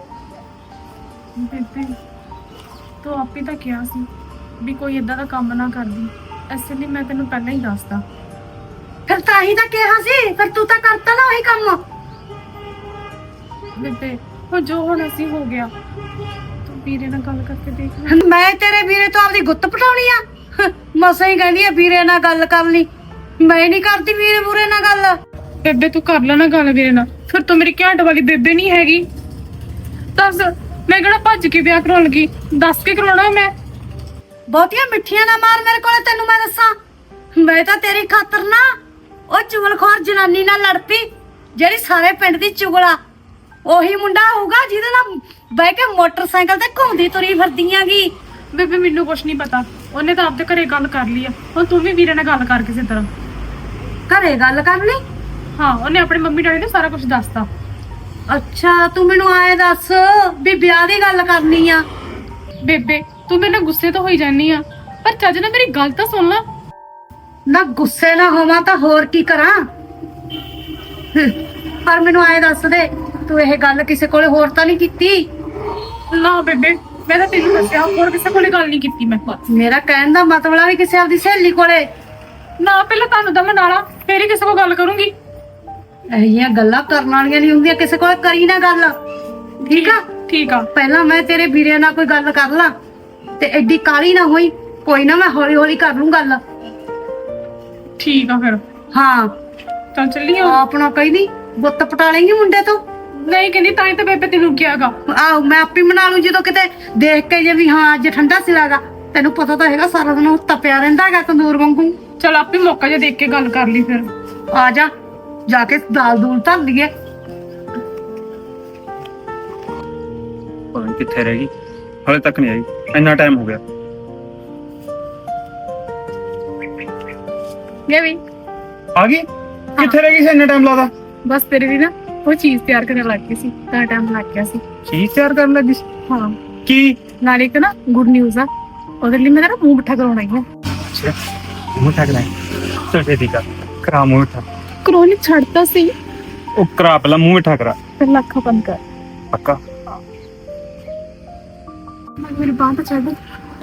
Speaker 2: ਬੇਬੇ ਤੂੰ ਆਪੇ ਤਾਂ ਕਿਹਾ ਸੀ ਵੀ ਕੋਈ ਏਦਾਂ ਦਾ ਕੰਮ ਨਾ ਕਰਦੀ, ਇਸ ਲਈ ਮੈਂ ਤੈਨੂੰ ਪਹਿਲਾਂ ਹੀ ਦੱਸਦਾ।
Speaker 1: ਫਿਰ ਤਾਂ ਹੀ ਤਾਂ ਕਿਹਾ ਸੀ, ਫਿਰ ਤੂੰ ਤਾਂ ਕਰਤਾ ਨਾ ਉਹੀ ਕੰਮ।
Speaker 2: ਬੇਬੇ ਹੁਣ ਜੋ ਹੁਣ ਅਸੀਂ ਹੋ ਗਿਆ, ਤੂੰ ਵੀਰੇ ਨਾਲ ਗੱਲ ਕਰਕੇ ਦੇਖ ਲੈ।
Speaker 1: ਮੈਂ ਤੇਰੇ ਵੀਰੇ ਤੋਂ ਆਪਦੀ ਗੁੱਤ ਪਟਾਉਣੀ ਆ? ਹੰ, ਮਸਾਂ ਹੀ ਕਹਿੰਦੀ ਆ ਵੀਰੇ ਨਾਲ ਗੱਲ ਕਰ ਲਈ, ਮੈਂ ਨਹੀਂ ਕਰਦੀ ਵੀਰੇ ਬੁਰੇ ਨਾਲ ਗੱਲ।
Speaker 2: ਬੇਬੇ ਤੂੰ ਕਰ ਲੈ ਨਾ ਗੱਲ ਵੀਰੇ ਨਾਲ, ਫਿਰ ਤੂੰ ਮੇਰੀ ਘਾਟ ਵਾਲੀ ਬੇਬੇ ਨਹੀਂ ਹੈਗੀ। ਦੱਸ ਮੈਂ ਕਿਹੜਾ ਭੱਜ ਕੇ ਵਿਆਹ ਕਰਾਉਣ ਲੱਗੀ, ਦੱਸ ਕੇ ਕਰਾਉਣਾ ਮੈਂ।
Speaker 1: ਬਹੁਤੀਆਂ ਮਿੱਠੀਆਂ ਨਾ ਮਾਰ ਮੇਰੇ ਕੋਲੇ, ਤੈਨੂੰ ਮੈਂ ਦੱਸਾਂ। ਮੈਂ ਤਾਂ ਤੇਰੀ ਖਾਤਰ ਨਾ ਉਹ ਚੁਗਲਖੋਰ ਜਨਾਨੀ ਨਾਲ ਲੜ ਪਈ, ਜਿਹੜੀ ਸਾਰੇ ਪਿੰਡ ਦੀ ਚੁਗਲਾ। ਉਹੀ ਮੁੰਡਾ ਹੋਊਗਾ ਜਿਹਦੇ ਨਾਲ ਬਹਿ ਕੇ ਮੋਟਰਸਾਈਕਲ ਤੇ ਘੁੰਮਦੀ ਤੁਰੀ ਫਿਰਦੀਆਂਗੀ।
Speaker 2: ਬੇਬੇ ਮੈਨੂੰ ਕੁਛ ਨਹੀਂ ਪਤਾ, ਉਹਨੇ ਤਾਂ ਆਪਦੇ ਘਰੇ ਗੱਲ ਕਰ ਲਈ ਆ। ਹੁਣ ਤੂੰ ਵੀ ਵੀਰੇ ਨਾਲ ਗੱਲ ਕਰ ਕਿਸੇ ਤਰ੍ਹਾਂ।
Speaker 1: ਘਰੇ ਗੱਲ ਕਰ ਲਈ?
Speaker 2: ਹਾਂ ਉਹਨੇ ਆਪਣੇ ਮੰਮੀ ਡੈਡੀ ਨੂੰ ਸਾਰਾ ਕੁਝ ਦੱਸਤਾ।
Speaker 6: ਅੱਛਾ ਤੂੰ ਮੈਨੂੰ ਆਏ ਦੱਸ ਵੀ ਵਿਆਹ ਦੀ ਗੱਲ ਕਰਨੀ ਆ।
Speaker 2: ਬੇਬੇ ਤੂੰ ਮੇਰੇ ਨਾਲ ਗੁੱਸੇ ਤਾਂ ਹੋਈ ਜਾਨੀ ਆ, ਪਰ ਚੱਜ ਨਾਲ ਮੇਰੀ ਗੱਲ ਤਾਂ ਸੁਣ ਲੈ।
Speaker 6: ਨਾ ਗੁੱਸੇ ਨਾ ਹੋਵਾਂ ਤਾਂ ਹੋਰ ਕੀ ਕਰਾਂ। ਹਮ, ਪਰ ਮੈਨੂੰ ਆਏ ਦੱਸ ਦੇ ਤੂੰ ਇਹ ਗੱਲ ਕਿਸੇ ਕੋਲੇ ਹੋਰ ਤਾਂ ਨਹੀਂ ਕੀਤੀ?
Speaker 2: ਨਾ ਬੇਬੇ ਮੈਂ ਤਾਂ ਤੈਨੂੰ ਦੱਸਿਆ, ਹੋਰ ਕਿਸੇ ਕੋਲੇ ਗੱਲ ਨਹੀਂ ਕੀਤੀ ਮੈਂ।
Speaker 6: ਮੇਰਾ ਕਹਿਣ ਦਾ ਮਤਲਬ ਆ ਵੀ ਕਿਸੇ ਆਪਦੀ ਸਹੇਲੀ ਕੋਲੇ।
Speaker 2: ਨਾ ਪਹਿਲਾਂ ਤੁਹਾਨੂੰ ਤਾਂ ਮਨਾਲਾ, ਫੇਰ ਹੀ ਕਿਸੇ ਕੋਲ ਗੱਲ ਕਰੂੰਗੀ।
Speaker 6: ਇਹੋ ਜਿਹੀਆਂ ਗੱਲਾਂ ਕਰਨ ਵਾਲੀਆਂ ਨਹੀਂ ਹੁੰਦੀਆਂ, ਕਿਸੇ ਕੋਲ ਕਰੀ ਨਾ ਗੱਲ, ਠੀਕ ਆ?
Speaker 2: ਠੀਕ ਆ।
Speaker 6: ਪਹਿਲਾਂ ਮੈਂ ਤੇਰੇ ਵੀਰੇ ਨਾਲ ਕੋਈ ਗੱਲ ਕਰ ਲਾਂ ਤੇ ਐਡੀ ਕਾਲੀ ਨਾ ਹੋਈ। ਕੋਈ ਨਾ ਮੈਂ ਹੌਲੀ ਹੌਲੀ ਕਰ ਲੂੰ ਗੱਲ।
Speaker 2: ਠੀਕ ਆ ਫਿਰ।
Speaker 6: ਹਾਂ
Speaker 2: ਚੱਲ ਚੱਲੀਏ।
Speaker 6: ਆਪਣਾ ਕਹੀ ਨਹੀਂ ਬੁੱਤ ਪਟਾ ਲੇਂਗੀ ਮੁੰਡੇ ਤੋਂ।
Speaker 2: ਨਹੀਂ ਕਹਿੰਦੀ, ਤਾਂ ਹੀ ਤਾਂ ਬੇਬੇ ਤੈਨੂੰ ਕਿਹਾਗਾ।
Speaker 6: ਆਹੋ ਮੈਂ ਆਪੇ ਮਨਾ ਲੂੰ ਜਦੋਂ ਕਿਤੇ ਦੇਖ ਕੇ ਜੇ ਵੀ ਹਾਂ ਅੱਜ ਠੰਡਾ ਸਿਰਾਗਾ। ਤੈਨੂੰ ਪਤਾ ਤਾਂ ਹੈਗਾ ਸਾਰਾ ਦਿਨ ਉਹ ਤਪਿਆ ਰਹਿੰਦਾ ਹੈਗਾ ਤੰਦੂਰ ਵਾਂਗੂ।
Speaker 2: ਚਲ ਆਪੇ ਮੌਕਾ ਜਿਹਾ ਦੇਖ ਕੇ ਗੱਲ ਕਰ ਲਈ ਫਿਰ।
Speaker 6: ਆ ਜਾ ਜਾ ਕੇ ਦਾਲ ਦੂਲ ਧਰ ਲਈਏ।
Speaker 5: ਪਤਾ ਨੀ ਕਿੱਥੇ ਰਹਿ ਗਈ, ਹਾਲੇ ਤੱਕ ਨਹੀਂ ਆਈ। ਇੰਨਾ ਟਾਈਮ ਹੋ ਗਿਆ।
Speaker 2: ਇਹ ਵੀ
Speaker 5: ਆ ਗਈ? ਕਿੱਥੇ ਰਹਿ ਗਈ ਸੀ ਇੰਨਾ ਟਾਈਮ ਲਾਦਾ?
Speaker 2: ਬਸ ਤੇਰੇ ਲਈ ਨਾ ਉਹ ਚੀਜ਼ ਤਿਆਰ ਕਰਨ ਲੱਗ ਗਈ ਸੀ, ਤਾਂ ਟਾਈਮ ਲੱਗ ਗਿਆ ਸੀ।
Speaker 5: ਚੀਜ਼ ਤਿਆਰ ਕਰਨ ਲੱਗੀ ਸੀ?
Speaker 2: ਹਾਂ,
Speaker 5: ਕੀ?
Speaker 2: ਨਾਲੇ ਇੱਕ ਨਾ ਗੁੱਡ ਨਿਊਜ਼ ਆ, ਉਹਦੇ ਲਈ ਮੈਂ ਨਾ ਮੂੰਹ ਮਿੱਠਾ ਕਰਾਉਣਾ ਹੀ ਆ।
Speaker 5: ਅੱਛਾ ਮੂੰਹ ਠੱਗ ਲੈ। ਚਲ ਛੇਤੀ ਕਰ, ਕਰਾ ਮੂੰਹ ਮਿੱਠਾ।
Speaker 2: ਕਰੋਨੀ ਛੱਡਤਾ ਸੀ,
Speaker 5: ਉਹ ਕਰਾ ਪਹਿਲਾਂ ਮੂੰਹ ਮਿੱਠਾ ਕਰਾ।
Speaker 2: ਫਿਰ ਲੱਖਾਂ ਬੰਦ ਕਰ।
Speaker 5: ਪੱਕਾ?
Speaker 2: ਮੇਰੀ ਬਾਂਹ ਤਾਂ ਛੱਡ।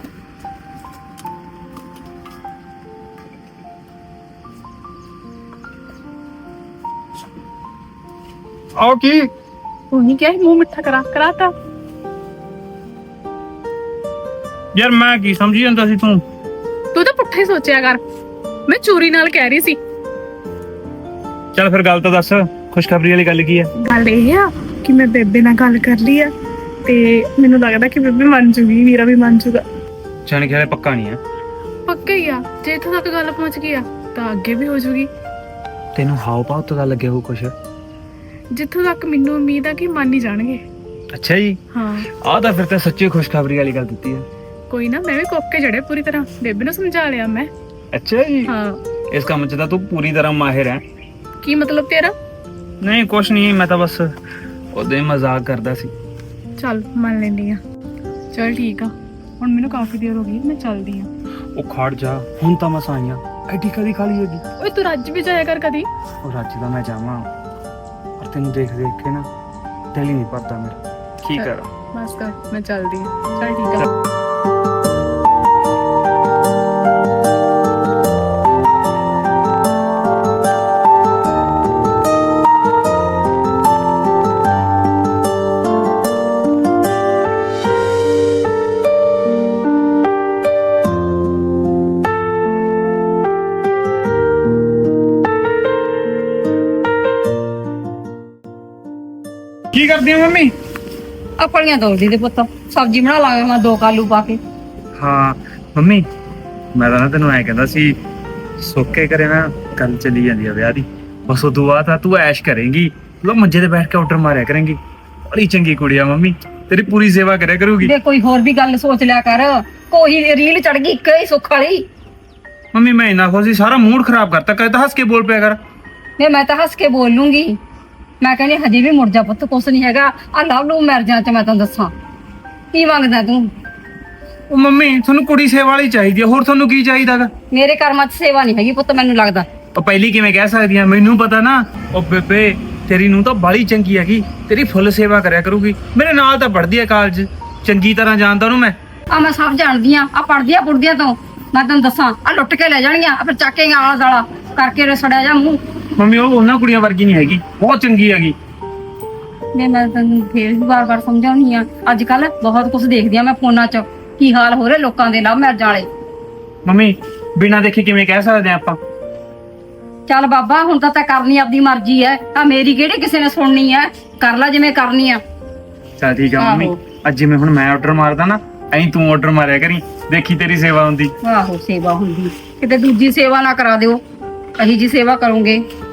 Speaker 5: ਆਓ ਕੀ?
Speaker 2: ਉਹ ਨਹੀਂ ਕਿਹਾ ਸੀ ਮੂੰਹ ਮਿੱਠਾ ਕਰਾ, ਕਰਾਤਾ।
Speaker 5: ਯਾਰ ਮੈਂ ਕੀ ਸਮਝੀ ਜਾਂਦਾ ਸੀ ਤੂੰ?
Speaker 2: ਤੂੰ ਤਾਂ ਪੁੱਠਾ ਹੀ ਸੋਚਿਆ ਕਰ, ਮੈਂ ਚੋਰੀ ਨਾਲ ਕਹਿ ਰਹੀ ਸੀ।
Speaker 5: ਚੱਲ ਫਿਰ ਗੱਲ ਤਾਂ ਦੱਸ, ਖੁਸ਼ਖਬਰੀ ਵਾਲੀ ਗੱਲ ਕੀ ਹੈ?
Speaker 2: ਗੱਲ ਇਹ ਆ ਕਿ ਮੈਂ ਬੇਬੇ ਨਾਲ ਗੱਲ ਕਰ ਲਈ ਆ ਤੇ ਮੈਨੂੰ ਲੱਗਦਾ ਕਿ ਬੇਬੇ ਮੰਨ ਜੂਗੀ, ਵੀਰਾ ਵੀ ਮੰਨ ਜੂਗਾ।
Speaker 5: ਜਾਣ ਕੇ ਹਲੇ ਪੱਕਾ ਨਹੀਂ ਹੈ।
Speaker 2: ਪੱਕਾ ਹੀ ਆ, ਜੇ ਇੱਥੋਂ ਤੱਕ ਗੱਲ ਪਹੁੰਚ ਗਈ ਆ ਤਾਂ ਅੱਗੇ ਵੀ ਹੋ ਜੂਗੀ।
Speaker 5: ਤੈਨੂੰ ਹਾਉ ਭਾਉ ਤੋਂ ਤਾਂ ਲੱਗਿਆ ਹੋ ਕੁਛ?
Speaker 2: ਜਿੱਥੋਂ ਤੱਕ ਮੈਨੂੰ ਉਮੀਦ ਆ ਕਿ ਮੰਨ ਹੀ ਜਾਣਗੇ।
Speaker 5: ਅੱਛਾ ਜੀ,
Speaker 2: ਹਾਂ
Speaker 5: ਆਹ ਤਾਂ ਫਿਰ ਤਾਂ ਸੱਚੀ ਖੁਸ਼ਖਬਰੀ ਵਾਲੀ ਗੱਲ ਦਿੱਤੀ ਹੈ।
Speaker 2: ਕੋਈ ਨਾ, ਮੈਂ ਵੀ ਕੋਕੇ ਜੜੇ ਪੂਰੀ ਤਰ੍ਹਾਂ, ਬੇਬੇ ਨੂੰ ਸਮਝਾ ਲਿਆ ਮੈਂ।
Speaker 5: ਅੱਛਾ ਜੀ,
Speaker 2: ਹਾਂ।
Speaker 5: ਇਸ ਕੰਮ 'ਚ ਤਾਂ ਤੂੰ ਪੂਰੀ ਤਰ੍ਹਾਂ ਮਾਹਿਰ ਹੈ।
Speaker 2: ਕੀ ਮਤਲਬ ਤੇਰਾ?
Speaker 5: ਨਹੀਂ ਕੁਛ ਨਹੀਂ, ਮੈਂ ਤਾਂ ਬਸ ਉਹਦੇ ਹੀ ਮਜ਼ਾਕ ਕਰਦਾ ਸੀ।
Speaker 2: ਚੱਲ ਮੰਨ ਲੈਂਦੀ ਆ। ਚੱਲ ਠੀਕ ਆ, ਹੁਣ ਮੈਨੂੰ ਕਾਫੀ ਦੇਰ ਹੋ ਗਈ, ਮੈਂ ਚੱਲਦੀ ਆ।
Speaker 5: ਉਹ ਖੜ ਜਾ, ਹੁਣ ਤਾਂ ਮਸਾਂ ਆਈਆਂ, ਐਡੀ ਕਦੀ ਖਾਲੀ ਹੈਗੀ।
Speaker 2: ਓਏ ਤੂੰ ਰੱਜ ਵੀ ਜਾਇਆ ਕਰ ਕਦੀ।
Speaker 5: ਉਹ ਰੱਜ ਦਾ ਮੈਂ ਜਾਵਾਂ, ਪਰ ਤੈਨੂੰ ਦੇਖ ਦੇਖ ਕੇ ਨਾ ਦਿਲ ਹੀ ਨਹੀਂ ਭਰਦਾ ਮੇਰਾ। ਕੀ ਕਰਾਂ?
Speaker 2: ਬਸ ਕਰ, ਮੈਂ ਚੱਲਦੀ ਆ। ਚੱਲ ਠੀਕ ਆ।
Speaker 5: ਕੀ ਕਰਦੀ ਆ ਮੰਮੀ?
Speaker 1: ਆਪਣੀਆਂ ਤੋੜਦੀ ਦੇ ਪੁੱਤ, ਸਬਜ਼ੀ ਬਣਾ ਲਾਂਗੇ ਮੈਂ ਦੋ ਕਾਲੂ ਪਾ ਕੇ।
Speaker 5: ਹਾਂ ਮੰਮੀ, ਮੈਂ ਤਾਂ ਨਾ ਤੈਨੂੰ ਐ ਕਹਿੰਦਾ ਸੀ, ਸੋਕੇ ਕਰੇ ਨਾ ਗੱਲ ਚੱਲੀ ਜਾਂਦੀ ਆ ਵਿਆਹ ਦੀ। ਬਸ ਉਹ ਤੋਂ ਬਾਅਦ ਤਾਂ ਤੂੰ ਐਸ਼ ਕਰੇਂਗੀ, ਲੋ ਮੰਜੇ ਤੇ ਬੈਠ ਕੇ ਆਰਡਰ ਮਾਰਿਆ ਕਰੇਂਗੀ। ਬੜੀ ਚੰਗੀ ਕੁੜੀ ਆ ਮੰਮੀ, ਤੇਰੀ ਪੂਰੀ ਸੇਵਾ ਕਰਿਆ ਕਰੂਗੀ।
Speaker 1: ਦੇ ਕੋਈ ਹੋਰ ਵੀ ਗੱਲ ਸੋਚ ਲਿਆ ਕਰ, ਕੋਈ ਰੀਲ ਚੜ ਗਈ ਇੱਕ ਹੀ ਸੁੱਖ ਵਾਲੀ।
Speaker 5: ਮੰਮੀ ਮੈਂ ਇੰਨਾ ਖੁਸ਼ ਸੀ, ਸਾਰਾ ਮੂਡ ਖਰਾਬ ਕਰਤਾ। ਕਦੇ ਤਾਂ ਹੱਸ ਕੇ ਬੋਲ ਪਿਆ ਕਰ।
Speaker 1: ਨਹੀਂ ਮੈਂ ਤਾਂ ਹੱਸ ਕੇ ਬੋਲ ਲੂੰਗੀ। ਮੈਂ ਕਹਿੰਦੀ ਹਜੇ ਵੀ ਮੁੜ ਜਾ ਪੁੱਤ, ਕੁਛ ਨਹੀਂ ਹੈਗਾ। ਆ ਲਵ ਲੂ ਮੈਰਿਜਾਂ ਚ ਮੈਂ ਤੈਨੂੰ ਦੱਸਾਂ ਕੀ ਮੰਗਦਾ ਤੂੰ।
Speaker 5: ਉਹ ਮੰਮੀ ਤੁਹਾਨੂੰ ਕੁੜੀ ਸੇਵਾ ਵਾਲੀ ਚਾਹੀਦੀ ਆ, ਹੋਰ ਤੁਹਾਨੂੰ ਕੀ ਚਾਹੀਦਾਗਾ?
Speaker 1: ਮੇਰੇ ਕਰਮਾਂ 'ਚ ਸੇਵਾ ਨਹੀਂ ਹੈਗੀ ਪੁੱਤ, ਮੈਨੂੰ ਲੱਗਦਾ।
Speaker 5: ਉਹ ਪਹਿਲੀ ਕਿਵੇਂ ਕਹਿ ਸਕਦੀ ਆ, ਮੈਨੂੰ ਪਤਾ ਨਾ। ਉਹ ਬੇਬੇ ਤੇਰੀ ਨੂੰ ਤਾਂ ਬਾਲੀ ਚੰਗੀ ਹੈਗੀ, ਤੇਰੀ ਫੁੱਲ ਸੇਵਾ ਕਰਿਆ ਕਰੂਗੀ। ਮੇਰੇ ਨਾਲ ਤਾਂ ਪੜ੍ਹਦੀ ਆ ਕਾਲਜ, ਚੰਗੀ ਤਰ੍ਹਾਂ ਜਾਣਦਾ ਉਹਨੂੰ ਮੈਂ।
Speaker 1: ਆ ਮੈਂ ਸਭ ਜਾਣਦੀ ਆ, ਆ ਪੜਦੀਆਂ ਪੁੜਦੀਆਂ ਤੋਂ ਮੈਂ ਤੈਨੂੰ ਦੱਸਾਂ, ਆ ਲੁੱਟ ਕੇ ਲੈ ਜਾਣਗੀਆਂ, ਆ ਫਿਰ ਚੱਕ ਕੇ ਆਲਾ ਦਾਲਾ ਕਰਕੇ ਰਸੜਿਆ ਜਾ ਮੂੰਹ।
Speaker 5: ਮੰਮੀ ਉਹ ਉਹਨਾਂ ਕੁੜੀਆਂ ਵਰਗੀ ਨਹੀਂ ਹੈਗੀ, ਬਹੁਤ ਚੰਗੀ ਹੈਗੀ।
Speaker 1: ਮੈਂ ਮੈਂ ਤੈਨੂੰ ਫੇਰ ਵੀ ਵਾਰ-ਵਾਰ ਸਮਝਾਉਣੀ ਆ, ਅੱਜ ਕੱਲ ਬਹੁਤ ਕੁਝ ਦੇਖਦੀ ਆ ਮੈਂ ਫੋਨਾਂ 'ਚ, ਕੀ ਹਾਲ ਹੋ ਰਿਹਾ ਲੋਕਾਂ ਦੇ ਲਵ ਮੈਰਿਜਾਂ ਵਾਲੇ।
Speaker 5: ਮੰਮੀ ਬਿਨਾਂ ਦੇਖੇ ਕਿਵੇਂ ਕਹਿ ਸਕਦੇ ਆ ਆਪਾਂ?
Speaker 1: ਚੱਲ ਬਾਬਾ ਹੁਣ ਤਾਂ ਤੈਂ ਕਰਨੀ ਆਪਦੀ ਮਰਜ਼ੀ ਐ, ਆ ਮੇਰੀ ਕਿਹੜੀ ਕਿਸੇ ਨੇ ਸੁਣਨੀ ਐ, ਕਰ ਲੈ ਜਿਵੇਂ ਕਰਨੀ ਆ।
Speaker 5: ਚੱਲ ਠੀਕ ਆ ਮੰਮੀ,
Speaker 1: ਆਹੋ।
Speaker 5: ਅੱਜ ਜਿਵੇਂ ਹੁਣ ਮੈਂ ਆਰਡਰ ਮਾਰਦਾ ਨਾ, ਐਂ ਤੂੰ ਆਰਡਰ ਮਾਰਿਆ ਕਰੀ, ਦੇਖੀ ਤੇਰੀ ਸੇਵਾ ਹੁੰਦੀ।
Speaker 1: ਆਹੋ ਸੇਵਾ ਹੁੰਦੀ, ਕਿਤੇ ਦੂਜੀ ਸੇਵਾ ਨਾ ਕਰਾ ਦਿਓ, ਅਹੀ ਜੀ ਸੇਵਾ ਕਰੋਗੇ।